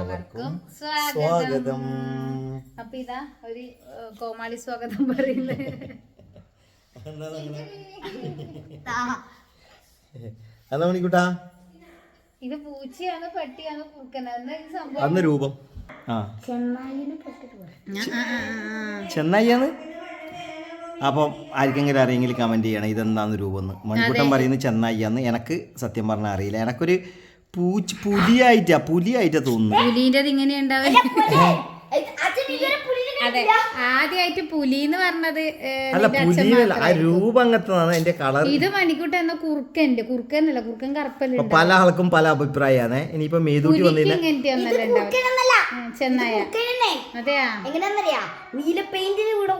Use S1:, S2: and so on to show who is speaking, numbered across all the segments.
S1: എല്ലാവർക്കും സ്വാഗതം. അപ്പൊ ഇതാ ഒരു കോമാളി സ്വാഗതം പറയുന്നത്. ഇത് പൂച്ചയാണ് പട്ടിയാണ് കുറുക്കനാണ്
S2: രൂപം ചെന്നായിയാണ്. അപ്പം ആർക്കെങ്കിലും അറിയെങ്കിൽ കമന്റ് ചെയ്യണം ഇതെന്താന്ന് രൂപം എന്ന്. മണിക്കൂട്ടൻ പറയുന്നത് ചെന്നായിയാന്ന്. എനിക്ക് സത്യം പറഞ്ഞാൽ അറിയില്ല. എനക്കൊരു പുലിയായിട്ടാ തോന്നുന്നു.
S1: പുലിന്റെ ഇങ്ങനെ ഉണ്ടാവും. അതെ, ആദ്യമായിട്ട് പുലി എന്ന് പറഞ്ഞത്
S2: അല്ല, പുലിയല്ല, ആ രൂപം അങ്ങനത്തതാണ്. അതിന്റെ കളർ.
S1: ഇത് മണിക്കൂട്ട എന്ന കുറുക്കന്റെ കുറുക്കനല്ല, കുറുക്കൻ കറുപ്പല്ല.
S2: പല ആൾക്കും പല അഭിപ്രായമാണ്. ഇനിയിപ്പോ മേതൂട്ടി വന്നില്ല
S1: ചെന്നായ. അതെയാ,
S3: നീല പെയിന്റിലൂടെ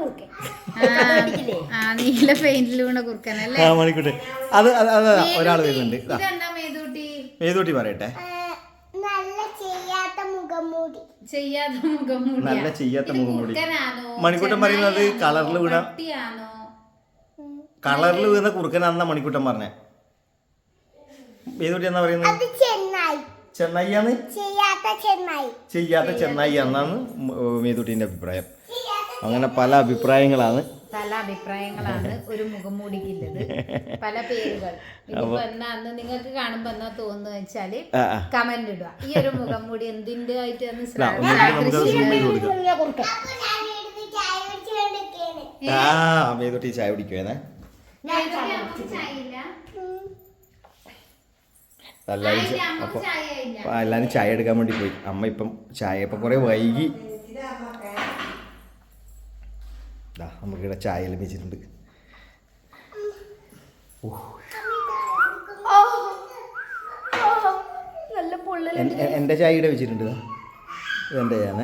S1: നീല പെയിന്റിലൂടെ കുറുക്കനല്ലേ
S2: മണിക്കൂട്ടെ. അത് ഒരാൾ വരുന്നുണ്ട്.
S1: ഇതെന്താ മേതൂട്ടി?
S2: മേതൂട്ടി പറയട്ടെ.
S3: നല്ല ചെയ്യാത്ത മുഖംമൂടി.
S2: നല്ല ചെയ്യാത്ത മുഖംമൂടി. മണിക്കൂട്ടൻ പറയുന്നത് കളറിൽ വീണ കുറുക്കനാണെന്നാ മണിക്കൂട്ടൻ പറഞ്ഞേ. മേതൂട്ടി എന്നാ പറയുന്നത്? ചെന്നായിയാണ്. ചെയ്യാത്ത ചെന്നായി എന്നാണ് മേതൂട്ടിന്റെ അഭിപ്രായം. അങ്ങനെ പല അഭിപ്രായങ്ങളാണ്.
S1: ഒരു മുഖംമൂടിക്കുള്ളത്, പല പേരുകൾ. ഇതിപ്പോ എന്നാന്ന് നിങ്ങൾക്ക് കാണുമ്പോ എന്നാ തോന്നുന്നു വെച്ചാല് കമന്റ് ഇടുക. ഈ ഒരു മുഖംമൂടി എന്തിന്റെ ആയിട്ട്
S2: മേതൂട്ടി ചായ കുടിക്കുവേനെ. എല്ലാരും ചായ എടുക്കാൻ വേണ്ടി പോയി. അമ്മ ഇപ്പം ചായ ഇപ്പൊ കുറെ വൈകി. നമുക്കിവിടെ ചായ ലഭിച്ചിട്ടുണ്ട്. എന്റെ ചായ ഇവിടെ വെച്ചിട്ടുണ്ട്. ഇതെന്റെ ചായ,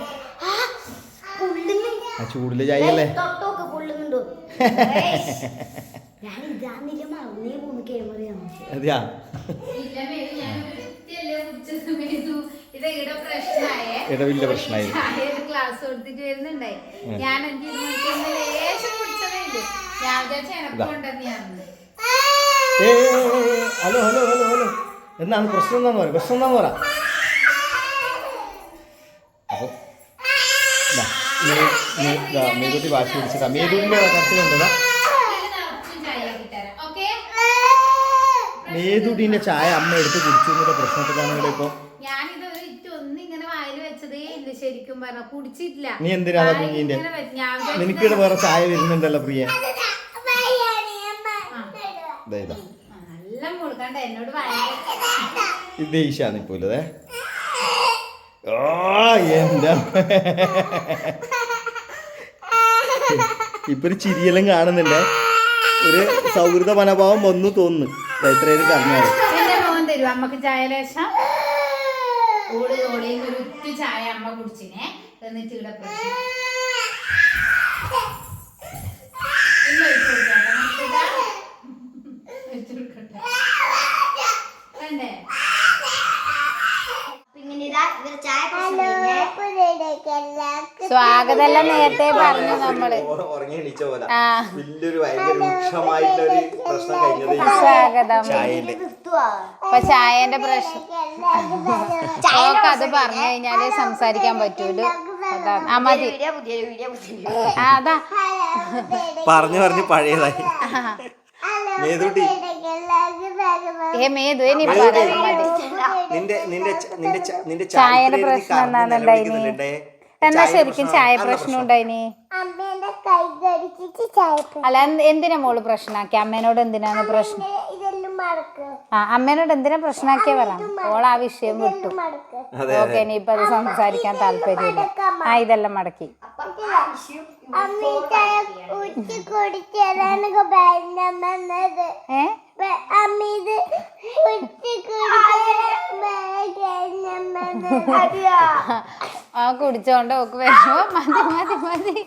S2: ആ ചൂടിലെ ചായ അല്ലേ. അതെയാ, ഇടവില്ല പ്രശ്നമായി.
S1: ക്ലാസ് കൊടുത്തിട്ട് വരുന്നുണ്ടായി. ഞാൻ ലേശം കുടിച്ചതേ ഇല്ല. ഞാൻ വിചാരിച്ച എനക്കൊണ്ടെന്ന്.
S2: ഹലോ ഹലോ ഹലോ ഹലോ, എന്താണ് പ്രശ്നം? എന്താന്ന് പറ. അപ്പൊ മേതൂട്ടി വാശി പിടിച്ചതാ. മേതൂട്ടിന്റെ കരച്ചിലുണ്ടതാ. മേതൂട്ടിന്റെ ചായ അമ്മ എടുത്ത് കുടിച്ചു എന്നുള്ള പ്രശ്നത്തിലാണ് ഇപ്പൊ.
S1: ശരിക്കും പറഞ്ഞ കുടിച്ചിട്ടില്ല.
S2: നീ എന്തിനാ കുഞ്ഞിന്റെ? നിനക്കിടെ വേറെ ചായ വരുന്നുണ്ടല്ലോ പ്രിയ. ഇത് ഈശാന്ന് ഇപ്പോലേ. എന്താ ഇപ്പൊ ഒരു ചിരിയെല്ലാം കാണുന്നുണ്ട്. ഒരു സൗഹൃദ മനോഭാവം വന്നു തോന്നുന്നു. എത്രയും പറഞ്ഞാല്
S1: തരും അമ്മക്ക് ചായ ലേശം. ഒരു ചായ അമ്മ കുടിച്ചിനെ. എന്നിട്ട് ഇവിടെ സ്വാഗതം നേരത്തെ പറഞ്ഞു നമ്മള്. സ്വാഗതം. അപ്പൊ ചായന്റെ പ്രശ്നം അത് പറഞ്ഞു കഴിഞ്ഞാല് സംസാരിക്കാൻ പറ്റൂലോ. അതാണ്. ആ മതി. അതാ
S2: പറഞ്ഞു പഴയതായി.
S1: ചായയുടെ പ്രശ്നം എന്താണെന്നുണ്ടായിനി? എന്നാ ശരിക്കും ചായ പ്രശ്നം ഉണ്ടായിനി? അല്ല, എന്തിനാ മോള് പ്രശ്നമാക്കി? അമ്മേനോട് എന്തിനാണ് പ്രശ്നം? അമ്മേനോട് എന്തിനാ പ്രശ്നമാക്കിയ പറ. ഓൾ ആ വിഷയം വിട്ടു. ഓക്കെ, ഇനിയിപ്പൊ അത് സംസാരിക്കാൻ താല്പര്യമില്ല. ഇതെല്ലാം മടക്കി. കുടിച്ചോണ്ട് ഓക്ക് വരുമ്പോ മതി.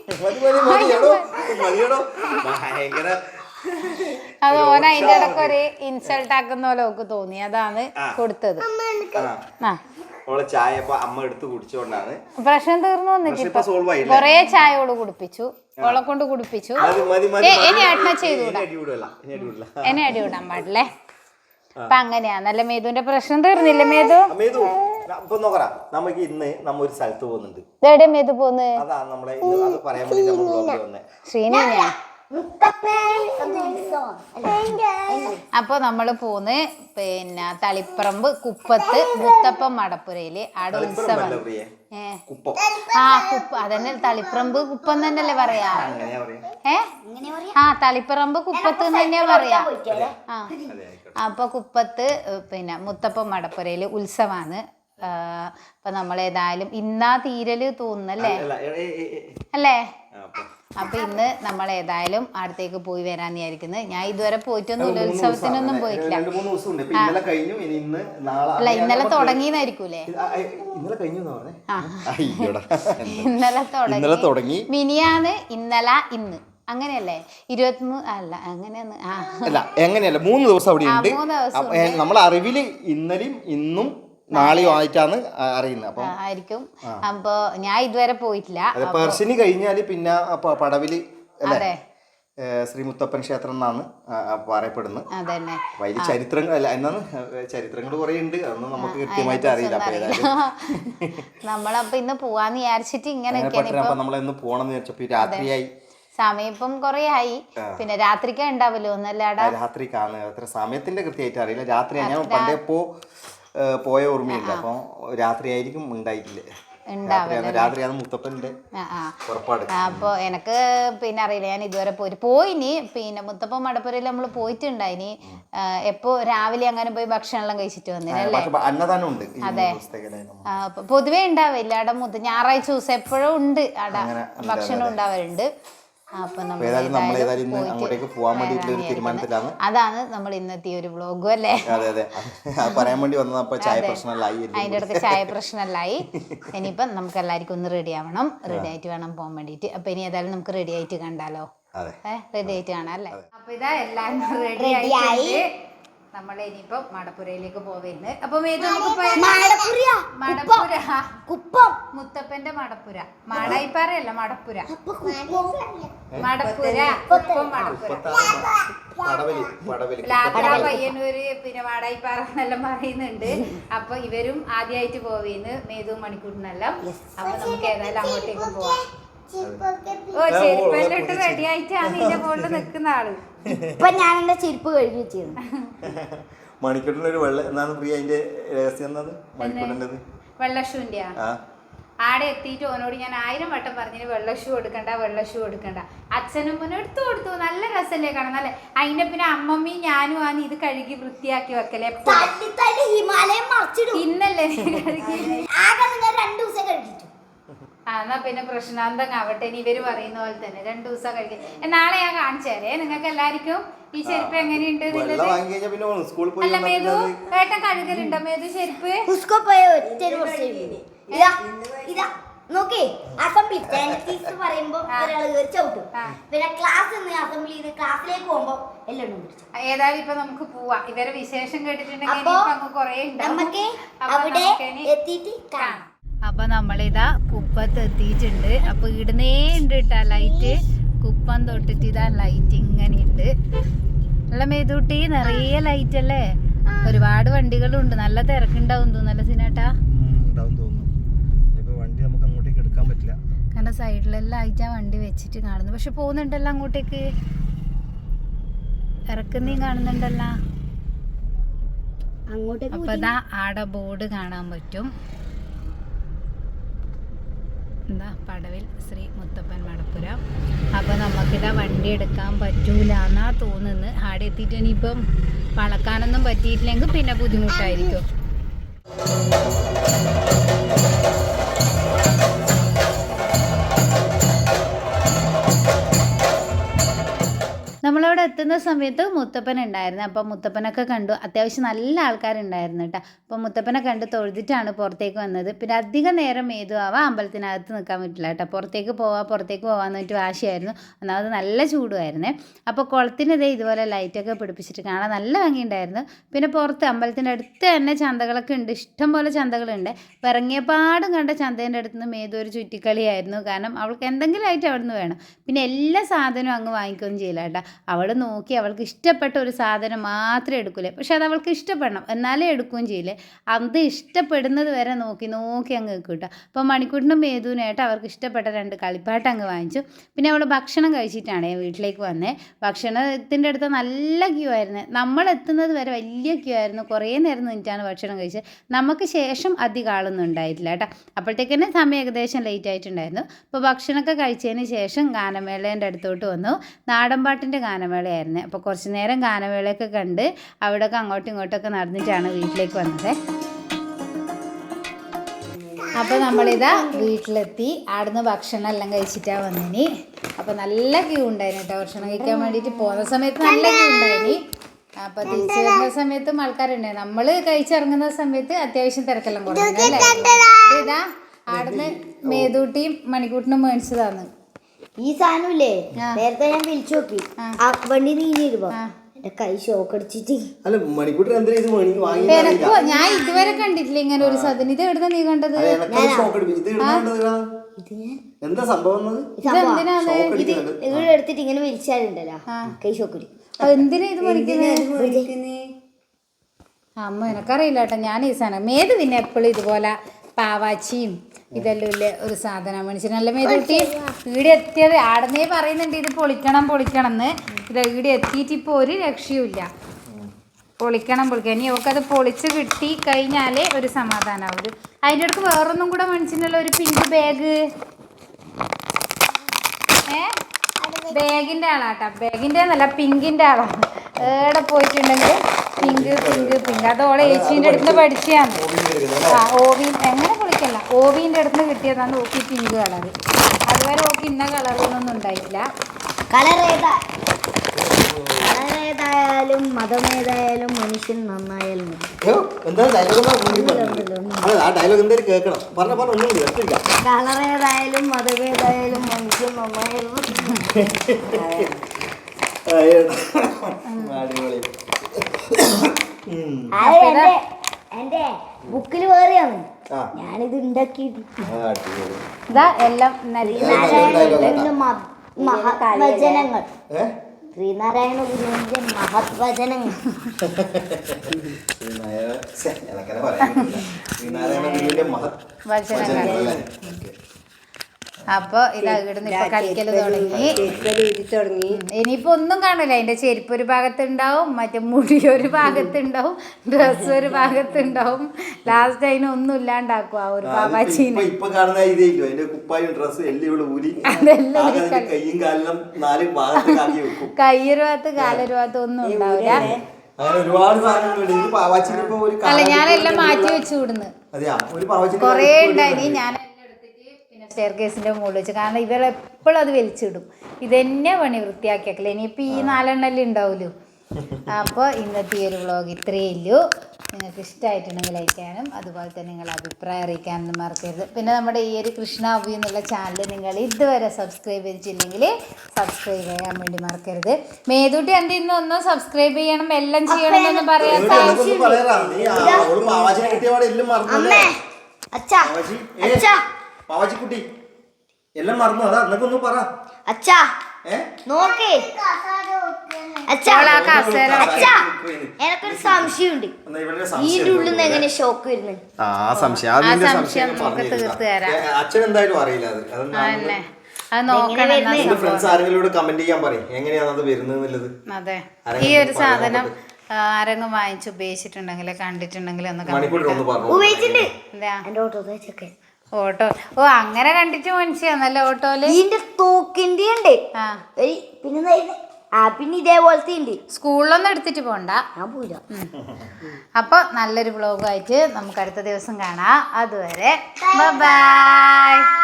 S1: അത് ഓന അതിന്റെ ഇടയ്ക്ക് ഒരു ഇൻസൾട്ട് ആക്കുന്ന പോലെ ഓക്ക് തോന്നി. അതാണ് കൊടുത്തത്. പ്രശ്നം തീർന്നു വന്നിട്ട് കൊറേ ചായയോട് കുടിപ്പിച്ചു. ഓളെ കൊണ്ട് കുടിപ്പിച്ചു. ഇനി ഏട്ടനെ ചെയ്തുകൂടാ. എന്നെ അടി വിടാൻ പാടില്ലേ. അപ്പൊ അങ്ങനെയാ. നല്ല മേതുവിന്റെ പ്രശ്നം തീർന്നില്ലേ? മേതു
S2: ഇപ്പൊ നോക്കറാ നമുക്ക് ഇന്ന് നമ്മ ഒരു സ്ഥലത്ത് പോകുന്നുണ്ട്.
S1: ഇതെവിടെ മേതു പോന്ന്?
S2: അതാ നമ്മളെ അത് പറയാൻ വേണ്ടി നമ്മൾ ബ്ലോഗിൽ വന്നേ.
S1: ശ്രീനിയാ. അപ്പോൾ നമ്മൾ പോന്ന് പിന്നെ തളിപ്പറമ്പ് കുപ്പത്ത് മുത്തപ്പൻ മടപ്പുരയില് ആടെ ഉത്സവം. കുപ്പ അതന്നെ തളിപ്പറമ്പ് കുപ്പം തന്നെയല്ലേ പറയാ? തളിപ്പറമ്പ് കുപ്പത്ത് തന്നെയാ പറയാ. അപ്പൊ കുപ്പത്ത് പിന്നെ മുത്തപ്പൻ മടപ്പുരയില് ഉത്സവാണ്. അപ്പൊ നമ്മളേതായാലും ഇന്നാ തീരല് തോന്നുന്നല്ലേ അല്ലേ? അപ്പൊ ഇന്ന് നമ്മൾ ഏതായാലും അടുത്തേക്ക് പോയി വരാന്ന് വിചാരിക്കുന്നത്. ഞാൻ ഇതുവരെ പോയിട്ടൊന്നുമില്ല, ഉത്സവത്തിനൊന്നും പോയിട്ടില്ല. അല്ല ഇന്നലെ തുടങ്ങിയതായിരിക്കൂലേ? ഇന്നലെ തുടങ്ങി മിനിയാന്ന് ഇന്നലെ ഇന്ന് അങ്ങനെയല്ലേ? 23 അല്ല അങ്ങനെയൊന്ന്
S2: അല്ല എങ്ങനെയല്ല 3 ദിവസം അവിടെ ഉണ്ട്. നമ്മളെ അറിവില് ഇന്നലെയും ഇന്നും നാളെയോ ആയിട്ടാണ് അറിയുന്നത്.
S1: ആയിരിക്കും. അപ്പൊ ഞാൻ ഇതുവരെ പോയിട്ടില്ല.
S2: പെർശിനി കഴിഞ്ഞാല് പിന്നെ പടവില് അല്ലേ ശ്രീ മുത്തപ്പൻ ക്ഷേത്രം എന്നാണ് പറയപ്പെടുന്നത്. വലിയ ചരിത്രങ്ങൾ അല്ല എന്നാണ് ചരിത്രങ്ങൾ കുറെ ഉണ്ട്, അതൊന്നും നമുക്ക് കൃത്യമായിട്ട് അറിയില്ല.
S1: നമ്മളപ്പോ ഇന്ന് പോവാന്ന് വിചാരിച്ചിട്ട് ഇങ്ങനെ
S2: നമ്മളിന്ന് പോണെന്ന് വിചാരിച്ചപ്പോ രാത്രിയായി.
S1: സമയം ഇപ്പം കൊറേ ആയി. പിന്നെ രാത്രിക്കാ ഉണ്ടാവല്ലോ ഒന്നല്ലാടാ?
S2: രാത്രിക്കാണ്, അത്ര സമയത്തിന്റെ കൃത്യമായിട്ട് അറിയില്ല. രാത്രി ഞാൻ പണ്ടേ പോയ ഓർമ്മയില്ല. അപ്പൊ രാത്രി ആയിരിക്കും ഉണ്ടായിട്ടില്ല. രാത്രിയാണ് മുത്തപ്പന്റെ പുറപ്പാട്.
S1: അപ്പൊ എനക്ക് പിന്നെ അറിയില്ല, ഞാൻ ഇതുവരെ പോയിനി. പിന്നെ മുത്തപ്പൻ മടപ്പുരയിൽ നമ്മൾ പോയിട്ടുണ്ടായിനി. എപ്പോ രാവിലെ അങ്ങനെ പോയി ഭക്ഷണം എല്ലാം കഴിച്ചിട്ട് വന്നില്ലേ?
S2: അന്നദാനം ഉണ്ട്.
S1: അതെ, പൊതുവേ ഉണ്ടാവില്ല അവിടെ. ഞായറാഴ്ച ദിവസം എപ്പോഴും ഉണ്ട് അവിടെ ഭക്ഷണം ഉണ്ടാവാറുണ്ട്. അപ്പൊ അതാണ് നമ്മൾ ഇന്നത്തെ ഒരു വ്ളോഗും അല്ലേ? അതിന്റെ അടുത്ത് ചായ പ്രശ്നമല്ലായി. ഇനിയിപ്പം നമുക്ക് എല്ലാവർക്കും ഒന്ന് റെഡി ആവണം. റെഡി ആയിട്ട് വേണം പോകാൻ വേണ്ടിട്ട്. അപ്പൊ ഇനി ഏതായാലും നമുക്ക് റെഡി ആയിട്ട് കണ്ടാലോ? റെഡി ആയിട്ട് കാണാം അല്ലേ? അപ്പൊ ഇതാ എല്ലാരും റെഡി ആയി. നമ്മൾ ഇനിയിപ്പോ മടപ്പുരയിലേക്ക് പോവുന്നത്. അപ്പൊ മുത്തപ്പന്റെ മടപ്പുര, മാടായിപ്പാറയല്ല മടപ്പുര. മടപ്പുര കുപ്പം മടപ്പുര. പയ്യന്നൂര് പിന്നെ മാടായിപ്പാറ എന്നെല്ലാം പറയുന്നുണ്ട്. അപ്പൊ ഇവരും ആദ്യമായിട്ട് പോവുന്നു, മേതുവും മണിക്കൂറിനെല്ലാം. അപ്പൊ നമുക്ക് ഏതായാലും അങ്ങോട്ടേക്ക് പോവാം. ഓ ചെരുപ്പെല്ലാം ഇട്ട് റെഡി ആയിട്ടാണ് ഇതിന്റെ മുകളിൽ നിൽക്കുന്ന ആള്.
S3: ഇപ്പൊ ഞാൻ എന്റെ ചെരുപ്പ് കഴുകി വെച്ചിരുന്നു.
S2: മണിക്കൂട്ടിനൊരു വെള്ള എന്താണ് പ്രിയ അതിന്റെ രഹസ്യം?
S1: വെള്ളഷൂന്റെ ആടെ എത്തിയിട്ട് ഓനോട് ഞാൻ 1000 വട്ടം പറഞ്ഞു വെള്ള ഷൂ എടുക്കണ്ട. അച്ഛനും മോനും എടുത്തു കൊടുത്തു. നല്ല രസമല്ലേ കാണാൻ? നല്ല. അതിന്റെ പിന്നെ അമ്മമ്മയും ഞാനും ആണ് ഇത് കഴുകി വൃത്തിയാക്കി വെക്കലേ. ഇന്നല്ലേ എന്നാ പിന്നെ പ്രശ്നാന്തം ആവട്ടെ. ഇനി ഇവര് പറയുന്ന പോലെ തന്നെ 2 ദിവസം കഴിക്കും. നാളെ ഞാൻ കാണിച്ചേരേ നിങ്ങൾക്ക് എല്ലാവർക്കും ഈ ചെരുപ്പ് എങ്ങനെയുണ്ട്. അല്ല മേതു ഏട്ടൻ കഴുകലുണ്ടോ മേതു ചെരുപ്പ്?
S3: നോക്കേ അസംബ്ലി പറയുമ്പോ ചവിട്ടും. പിന്നെ ക്ലാസ്സിലേക്ക് പോകുമ്പോ എല്ലാം
S1: ഏതായാലും ഇപ്പൊ നമുക്ക് പോവാം. ഇവരെ വിശേഷം കേട്ടിട്ടുണ്ടെങ്കിൽ
S3: നമുക്ക് അവിടെ എത്തിയിട്ട് കാണാം.
S1: അപ്പൊ നമ്മളിതാ കുപ്പത്ത് എത്തിയിട്ടുണ്ട്. അപ്പൊ ഇടുന്നേ ഉണ്ട് കേട്ടാ ലൈറ്റ്. കുപ്പം തൊട്ടിട്ട് ഇതാ ലൈറ്റ് ഇങ്ങനെയുണ്ട്. നല്ല മേതൂട്ടി നിറയെ ലൈറ്റ് അല്ലേ? ഒരുപാട് വണ്ടികളുണ്ട്. നല്ല തിരക്കുണ്ടാവും തോന്നല്ലേ സിനേട്ടാ? കാരണം സൈഡിലെല്ലാം ആയിട്ടാ വണ്ടി വെച്ചിട്ട് കാണുന്നു. പക്ഷെ പോകുന്നുണ്ടല്ലോ അങ്ങോട്ടേക്ക്, ഇറക്കുന്നേം കാണുന്നുണ്ടല്ലോ. അപ്പൊ ഇതാ ആടെ ബോർഡ് കാണാൻ പറ്റും. എന്താ പടവിൽ ശ്രീ മുത്തപ്പൻ മടപ്പുര. അപ്പോൾ നമുക്കിതാ വണ്ടി എടുക്കാൻ പറ്റൂല എന്നാ തോന്നുന്നത്. ആടെ എത്തിയിട്ട് ഇനിയിപ്പം വളക്കാനൊന്നും പറ്റിയിട്ടില്ലെങ്കിൽ പിന്നെ ബുദ്ധിമുട്ടായിരിക്കും. നമ്മളവിടെ എത്തുന്ന സമയത്ത് മുത്തപ്പൻ ഉണ്ടായിരുന്നു. അപ്പം മുത്തപ്പനൊക്കെ കണ്ടു. അത്യാവശ്യം നല്ല ആൾക്കാരുണ്ടായിരുന്നു കേട്ടോ. അപ്പം മുത്തപ്പനെ കണ്ട് തൊഴുതിട്ടാണ് പുറത്തേക്ക് വന്നത്. പിന്നെ അധികം നേരം മേതുവാവാം അമ്പലത്തിനകത്ത് നിൽക്കാൻ പറ്റില്ല കേട്ടോ. പുറത്തേക്ക് പോകാമെന്ന് വെച്ചിട്ട് വാശിയായിരുന്നു. ഒന്നാമത് നല്ല ചൂടുമായിരുന്നേ. അപ്പോൾ കുളത്തിനിതേ ഇതുപോലെ ലൈറ്റൊക്കെ പിടിപ്പിച്ചിട്ട് കാണാൻ നല്ല ഭംഗിയുണ്ടായിരുന്നു. പിന്നെ പുറത്ത് അമ്പലത്തിൻ്റെ അടുത്ത് തന്നെ ചന്തകളൊക്കെ ഉണ്ട്. ഇഷ്ടം പോലെ ചന്തകളുണ്ട്. ഇറങ്ങിയപാടും കണ്ട ചന്തേൻ്റെ അടുത്ത് നിന്ന് മേതു ഒരു ചുറ്റിക്കളിയായിരുന്നു. കാരണം അവൾക്ക് എന്തെങ്കിലും ആയിട്ട് അവിടെ നിന്ന് വേണം. പിന്നെ എല്ലാ സാധനവും അങ്ങ് വാങ്ങിക്കുകയും ചെയ്യില്ല കേട്ടോ. അവൾ അവൾ നോക്കി അവൾക്ക് ഇഷ്ടപ്പെട്ട ഒരു സാധനം മാത്രമേ എടുക്കൂലേ. പക്ഷെ അത് അവൾക്ക് ഇഷ്ടപ്പെടണം, എന്നാലേ എടുക്കുകയും ചെയ്യില്ലേ. അത് ഇഷ്ടപ്പെടുന്നത് വരെ നോക്കി നോക്കി അങ്ങ് വെക്കും കേട്ടോ. അപ്പോൾ മണിക്കൂട്ടിനും മേതുവിനായിട്ട് അവർക്ക് ഇഷ്ടപ്പെട്ട 2 കളിപ്പാട്ട് അങ്ങ് വാങ്ങിച്ചു. പിന്നെ അവൾ ഭക്ഷണം കഴിച്ചിട്ടാണ് വീട്ടിലേക്ക് വന്നേ. ഭക്ഷണത്തിൻ്റെ അടുത്ത് നല്ല ക്യൂ ആയിരുന്നു. നമ്മൾ എത്തുന്നത് വരെ വലിയ ക്യൂ ആയിരുന്നു. കുറേ നേരം നിന്നിട്ടാണ് ഭക്ഷണം കഴിച്ചത്. നമുക്ക് ശേഷം അധികം ആളൊന്നും ഉണ്ടായിട്ടില്ല കേട്ടോ. അപ്പോഴത്തേക്കന്നെ സമയം ഏകദേശം ലേറ്റ് ആയിട്ടുണ്ടായിരുന്നു. അപ്പോൾ ഭക്ഷണമൊക്കെ കഴിച്ചതിന് ശേഷം ഗാനമേളേൻ്റെ അടുത്തോട്ട് വന്നു. നാടൻപാട്ടിൻ്റെ ഗാനമേളയായിരുന്നു. അപ്പോൾ കുറച്ച് നേരം ഗാനമേളയൊക്കെ കണ്ട് അവിടെയൊക്കെ അങ്ങോട്ടും ഇങ്ങോട്ടൊക്കെ നടന്നിട്ടാണ് വീട്ടിലേക്ക് വന്നത്. അപ്പോൾ നമ്മളിതാ വീട്ടിലെത്തി. അവിടുന്ന് ഭക്ഷണം എല്ലാം കഴിച്ചിട്ടാണ് വന്നിനി. അപ്പോൾ നല്ല ക്യൂ ഉണ്ടായിരുന്നു കേട്ടോ. ഭക്ഷണം കഴിക്കാൻ വേണ്ടിയിട്ട് പോകുന്ന സമയത്ത് നല്ല ക്യൂ ഉണ്ടായിനി. അപ്പോൾ തിരിച്ചു വരുന്ന സമയത്തും ആൾക്കാരുണ്ടായിരുന്നു. നമ്മൾ കഴിച്ചിറങ്ങുന്ന സമയത്ത് അത്യാവശ്യം തിരക്കെല്ലാം കുറഞ്ഞല്ലേ. ഇതാ അവിടുന്ന് മേതൂട്ടിയും മണിക്കൂട്ടിനും മേടിച്ചതാണ്
S3: ഈ സാധനമില്ലേ. നേരത്തെ ഞാൻ വിളിച്ചു നോക്കി ആ വണ്ടി നീങ്ങിരുമ്പോ എന്റെ കൈ ഷോക്ക് അടിച്ചിട്ട്.
S2: അല്ല മണിക്കൂട്ടർ എന്തിനാ ഇത് വാങ്ങി?
S1: തിരക്കോ, ഞാൻ ഇതുവരെ കണ്ടിട്ടില്ല ഇങ്ങനെ ഒരു സാധനം. ഇത് എവിടുന്ന നീ കണ്ടത്?
S2: എന്താ സംഭവം?
S3: ഇത് ഇവിടെ എടുത്തിട്ട് ഇങ്ങനെ വിളിച്ചാലുണ്ടല്ലോ കൈ ഷോക്ക് അടിക്കും.
S1: എന്തിനാ ഇത് മണിക്കുന്നത്? അമ്മ എനക്കറിയില്ല കേട്ടോ. ഞാൻ ഈ സാധനം മേത് പിന്നെ എപ്പോഴും ഇതുപോലെ പാവാച്ചിയും ഇതെല്ലാം ഇല്ലേ ഒരു സാധനം മേടിച്ചിട്ട് നല്ല മേതൂട്ടി ഈടെ എത്തിയത്. ആടുന്നേ പറയുന്നുണ്ട് ഇത് പൊളിക്കണം എന്ന്. ഇത് ഈടെ എത്തിയിട്ട് ഇപ്പോൾ ഒരു രക്ഷയുമില്ല. പൊളിക്കണം. ഇനി അവൾക്കത് പൊളിച്ച് കിട്ടി കഴിഞ്ഞാലേ ഒരു സമാധാനമാവും. അതിൻ്റെ അടുത്ത് വേറൊന്നും കൂടെ മേടിച്ചിട്ടുണ്ടല്ലോ, ഒരു പിങ്ക് ബാഗ്. ബാഗിൻ്റെ ആളാട്ടാ. ബാഗിൻ്റെ എന്നല്ല, പിങ്കിൻ്റെ ആളാണ്. എവിടെ പോയിട്ടുണ്ടെങ്കിൽ പിങ്ക് അതോളെ ഏച്ചീൻ്റെ അടുത്ത് പഠിച്ചതാണ്. ഓവീൻ എങ്ങനെ പൊളിക്കല്ല, ഓവീൻ്റെ അടുത്ത് കിട്ടിയതാണ് ഓക്കി പിങ്ക് കളർ. അതുവരെ ഓക്കി ഇന്ന കളറൊന്നും ഉണ്ടായിട്ടില്ല.
S3: കളറേതായാലും മതമേതായാലും മനുഷ്യൻ നന്നായാലും കളറേതായാലും മതമേതായാലും മനുഷ്യൻ നന്നായാലും. എന്റെ ബുക്കിൽ വേറെയാണ് ഞാനിത് ഉണ്ടാക്കിയിട്ട്
S1: എല്ലാം
S3: മഹത്വചനങ്ങൾ. ശ്രീനാരായണ ഗുരുവിന്റെ മഹത്വചനങ്ങൾ.
S1: അപ്പോൾ ഇതാ ഇവിടുന്ന് ഇപ്പൊ കളിക്കല് തുടങ്ങി. ഇനിയിപ്പോ ഒന്നും കാണില്ല. അതിന്റെ ചെരുപ്പ് ഒരു ഭാഗത്തുണ്ടാവും, മറ്റേ മുടി ഒരു ഭാഗത്തുണ്ടാവും, ഡ്രസ്സ് ഒരു ഭാഗത്തുണ്ടാവും. ലാസ്റ്റ് അതിനൊന്നും ഇല്ലാണ്ടാക്കും ആ ഒരു പാവാച്ചീനെ. കയ്യൊരു ഭാഗത്ത് കാലൊരു ഭാഗത്ത് ഒന്നും ഉണ്ടാവില്ല. അല്ല ഞാനെല്ലാം മാറ്റി വെച്ചു വിടുന്നു. കൊറേ ഉണ്ടായിനി. ഞാൻ സ്റ്റെയർ കേസിൻ്റെ മുകളിൽ വെച്ച്. കാരണം ഇവരെപ്പോഴും അത് വലിച്ചിടും. ഇതന്നെ പണി വൃത്തിയാക്കിയാക്കില്ല. ഇനിയിപ്പോൾ ഈ 4 എണ്ണം ഉണ്ടാവുമല്ലോ. അപ്പോൾ ഇന്നത്തെ ഈ ഒരു വ്ളോഗ് ഇത്രയേ ഉള്ളൂ. നിങ്ങൾക്ക് ഇഷ്ടമായിട്ടുണ്ടെങ്കിൽ ലൈക്ക് ചെയ്യാനും അതുപോലെ തന്നെ നിങ്ങളുടെ അഭിപ്രായം അറിയിക്കാനൊന്നും മറക്കരുത്. പിന്നെ നമ്മുടെ ഈ ഒരു കൃഷ്ണ അബി എന്നുള്ള ചാനൽ നിങ്ങൾ ഇതുവരെ സബ്സ്ക്രൈബ് ചെയ്തിട്ടില്ലെങ്കിൽ സബ്സ്ക്രൈബ് ചെയ്യാൻ വേണ്ടി മറക്കരുത്. മേതൂട്ടി എൻ്റെ ഇന്നൊന്നും സബ്സ്ക്രൈബ് ചെയ്യണം എല്ലാം ചെയ്യണം എന്ന് പറയാൻ
S2: പാവാച്ചിക്കുട്ടി എല്ലാം മറന്നു. അതാ എന്നൊക്കെ ഒന്ന് പറ.
S3: അച്ഛാ നോക്കേ എനക്കൊരു സംശയമുണ്ട്. ഇതിന്റെ ഉള്ളിൽ നിന്ന് എങ്ങനെ ഷോക്ക് വരുന്നത്?
S2: അച്ഛൻ എന്തായാലും അറിയില്ല. ഫ്രണ്ട്സ് ആരെങ്കിലും കമന്റ് ചെയ്യാൻ പറയും എങ്ങനെയാണ് അത് വരുന്നത്.
S1: അതെ, ഈ ഒരു സാധനം ആരെങ്കിലും വാങ്ങിച്ച് ഉപയോഗിച്ചിട്ടുണ്ടെങ്കിൽ കണ്ടിട്ടുണ്ടെങ്കിൽ ഒന്ന് ഓട്ടോ. ഓ അങ്ങനെ കണ്ടിട്ട് മനസ്സിലാന്നല്ല ഓട്ടോയില്
S3: ഇതിന്റെ തോക്കിന്റെ ഉണ്ട്. പിന്നെ ഇതേപോലത്തെ ഉണ്ട്.
S1: സ്കൂളിലൊന്നും എടുത്തിട്ട് പോണ്ട. അപ്പൊ നല്ലൊരു വ്ളോഗായിട്ട് നമുക്ക് അടുത്ത ദിവസം കാണാം. അതുവരെ ബൈ.